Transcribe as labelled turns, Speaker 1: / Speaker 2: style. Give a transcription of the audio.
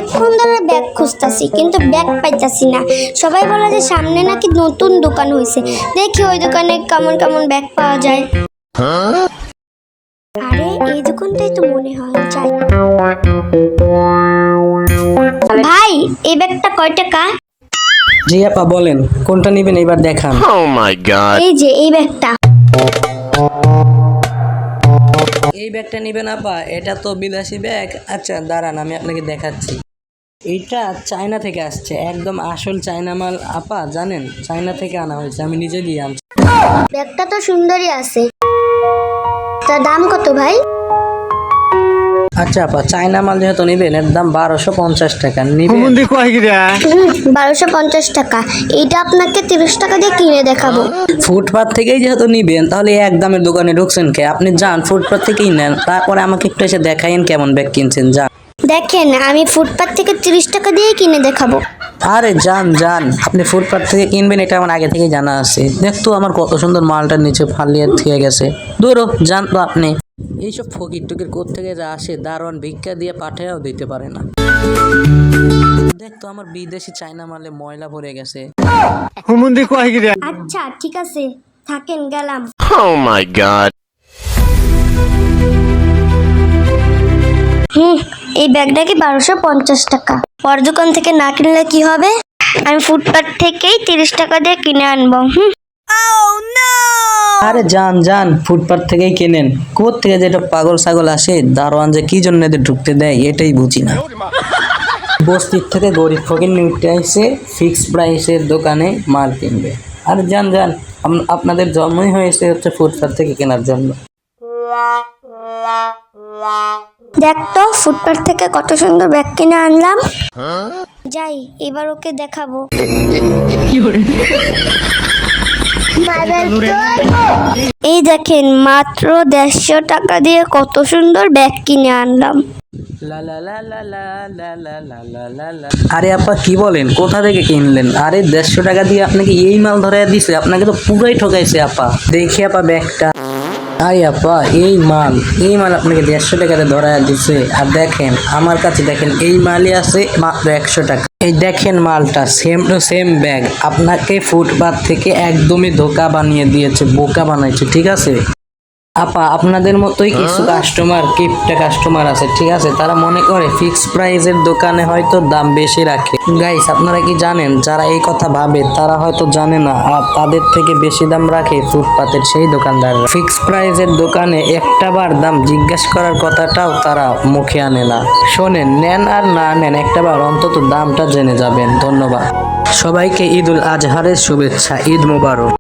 Speaker 1: অনেকক্ষণ ধরে ব্যাগ খুঁজতাছি কিন্তু ব্যাগ পাইতাছি না। সবাই বলে যে সামনে নাকি নতুন দোকান হয়েছে, দেখি ওই দোকানে কেমন কেমন ব্যাগ পাওয়া যায়। আরে এই দোকানটাই তো মনে হয়, যাই। ভাই এই ব্যাগটা কয় টাকা?
Speaker 2: জি আপা বলেন, কোনটা নেবেন এবার দেখান।
Speaker 1: এই যে এই ব্যাগটা।
Speaker 2: এই ব্যাগটা নেবেন আপা? এটা তো বিলাসী ব্যাগ। আচ্ছা দাঁড়ান, আমি আপনাকে দেখাচ্ছি। এইটা চায়না থেকে আসছে, একদম আসল চায়না মাল আপা, জানেন চায়না থেকে আনা হয়েছে, আমি নিজে দিয়ে আনছি।
Speaker 1: ব্যাগটা তো সুন্দরই আছে, তার দাম কত ভাই?
Speaker 2: আচ্ছা আপা, চায়না মাল যেহেতু নেবেন এর দাম 1250 টাকা নিবেন।
Speaker 1: 1250 টাকা। এইটা আপনাকে 30 টাকা দিয়ে কিনে দেখাবো।
Speaker 2: ফুটপাত থেকেই যেহেতু নিবেন তাহলে এক দামের দোকানে ঢুকছেন কে? আপনি যান ফুটপাত থেকেই নেন, তারপরে আমাকে একটু এসে দেখাইন কেমন ব্যাগ কিনছেন। যান।
Speaker 1: দেখেন আমি ফুটপাত থেকে 30 টাকা দিয়ে কিনে দেখাবো।
Speaker 2: আরে যান যান, আপনি ফুটপাত থেকে কিনবেন এটা আমার আগে থেকে জানা আছে। দেখতো আমার কত সুন্দর মালটা নিচে ফালিয়ে থেকে গেছে। দূরও যান তো আপনি। এইসব ফকির টুকির কোত্থেকে যা আসে, দারোয়ান ভিক্ষা দিয়ে পাঠায়ও দিতে পারে না। দেখতো আমার বিদেশি চায়না মালে ময়লা ভরে গেছে।
Speaker 1: আচ্ছা ঠিক আছে, থাকেন, গেলাম। এই ব্যাগটা কি 1250 টাকা? ওর দোকান থেকে না কিনলে কি হবে? আমি ফুটপাত থেকেই 30 টাকা দিয়ে কিনে আনবো।
Speaker 2: আরে যান যান, ফুটপাত থেকেই কেনেন। কোত্থেকে যেটা পাগল ছাগল আসে, দারোয়ান যে কি জন্য এদের ঢুকতে দেয় এটাই বুঝি না। বস্তির থেকে গরিব ফকির নিউটে আইসে ফিক্স প্রাইসের দোকানে মাল কিনবে। আরে যান যান, আপনাদের জন্মই হয়েছে হচ্ছে ফুটপাত থেকে কেনার জন্য।
Speaker 1: দেখ তো ফুটপাত থেকে কত সুন্দর ব্যাগ কিনে আনলাম। যাই এবার ওকে দেখাবো। এই দেখেন মাত্র 150 টাকা দিয়ে কত সুন্দর ব্যাগ কিনে আনলাম।
Speaker 2: আরে আপা কি বলেন, কোথা থেকে কিনলেন? আরে 150 টাকা দিয়ে আপনাকে এই মাল ধরাইয়া দিছে? আপনাকে তো পুরাই ঠকাইছে আপা। দেখি আপা ব্যাগটা। আরে আপা এই মাল আপনাকে 150 টাকাতে ধরাইয়া দিছে। আর দেখেন আমার কাছে দেখেন এই মালই আছে মাত্র 100 টাকা। এই দেখেন মালটা সেম টু সেম ব্যাগ। আপনাকে ফুটপাত থেকে একদমই ধোকা বানিয়ে দিয়েছে, বোকা বানাইছে, ঠিক আছে আপা? আপনাদের মতোই কিছু কাস্টমার, কিপটা কাস্টমার আছে, ঠিক আছে? তারা মনে করে ফিক্স প্রাইসের দোকানে হয়তো দাম বেশি রাখে। গাইস আপনারা কি জানেন, যারা এই কথা ভাবে তারা হয়তো জানে না আর তাদের থেকে বেশি দাম রাখে ফুটপাতের সেই দোকানদার। ফিক্স প্রাইসের দোকানে একটাবার দাম জিজ্ঞেস করার কথাটাও তারা মুখে আনে না। শোনেন, নেন আর না নেন একটাবার অন্তত দামটা জেনে যাবেন। ধন্যবাদ সবাইকে। ঈদ উল আজহারের শুভেচ্ছা। ঈদ মোবারক।